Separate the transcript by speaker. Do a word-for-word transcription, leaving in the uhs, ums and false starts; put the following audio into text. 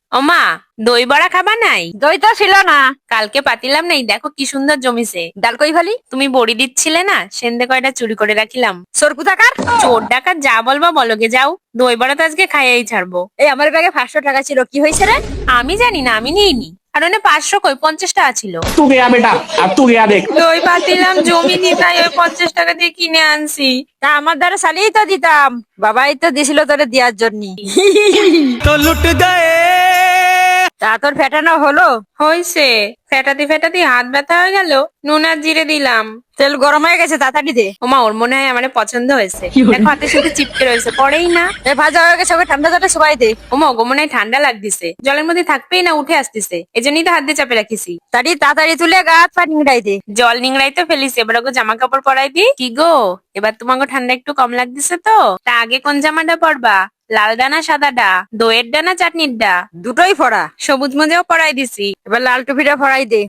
Speaker 1: ওমা, দই বড়া খাবা নাই?
Speaker 2: দই তো ছিল না।
Speaker 1: কালকে পাতিলাম নাই, দেখো কি সুন্দর জমিছে।
Speaker 2: ডাল কই ফালি?
Speaker 1: তুমি বড়ি দিচ্ছিলে না, সেন্দে কয়টা চুরি করে রাখিলাম।
Speaker 2: সর কোথাকার?
Speaker 1: চোর ডাকাত যা বলবা বলগে, যাও। দই বড়া তো আজকে খাইয়াই ছাড়বো।
Speaker 2: এই আমার ব্যাগে পাঁচশো টাকা ছিল, কি হয়েছে রে?
Speaker 1: আমি জানি না, আমি নিইনি। আর ওনে পাঁচশো কই, পঞ্চাশ টাকা ছিল।
Speaker 3: तू गया बेटा, अब तू गया देख।
Speaker 1: দই পাতিলাম জমিনি, তাই ওই পঞ্চাশ টাকা দিয়ে কিনে আনছি।
Speaker 2: তা আমার দ্বারা চালিয়েই তো দিতাম, বাবাই তো দিছিল তোরে দেওয়ার জন্য।
Speaker 4: तो लुट गए।
Speaker 2: তা তোর ফেটানো হলো?
Speaker 1: হইছে, ফেটাতে ফেটাতে হাত ব্যথা হয়ে গেল। নুন আর জিরে দিলাম।
Speaker 2: তেল গরম হয়ে গেছে, তাড়াতাড়ি দে।
Speaker 1: ওমা, ওর মনে হয় আমার পছন্দ হয়েছে। দেখো হাতের সাথে চিপকে রয়েছে, পড়েই না।
Speaker 2: এ ভাজা হয়ে গেছে, ওকে ঠান্ডা জলে সবাই দে।
Speaker 1: ওমা, ওগো মনে হয় ঠান্ডা লাগতেছে, জলের মধ্যে থাকবেই না, উঠে আসতেছে। এজন্যই তো হাত দিয়ে চাপে রাখিছি।
Speaker 2: তাড়ি তাড়াতাড়ি তুলে গা হাত পা নিংড়াই দে।
Speaker 1: জল নিংড়াই তো ফেলিস, এবার ওকে জামা কাপড় পরাই দি। কি গো, এবার তোমাকে ঠান্ডা একটু কম লাগতেছে তো? তা আগে কোন জামাটা পরবা? লাল ডানা সাদাটা, দইয়ের ডানা চাটনির ডা?
Speaker 2: দুটোই ফড়া।
Speaker 1: সবুজ মোজাও পরাই দিছি।
Speaker 2: এবার লাল টুপিটা ফড়াই দে।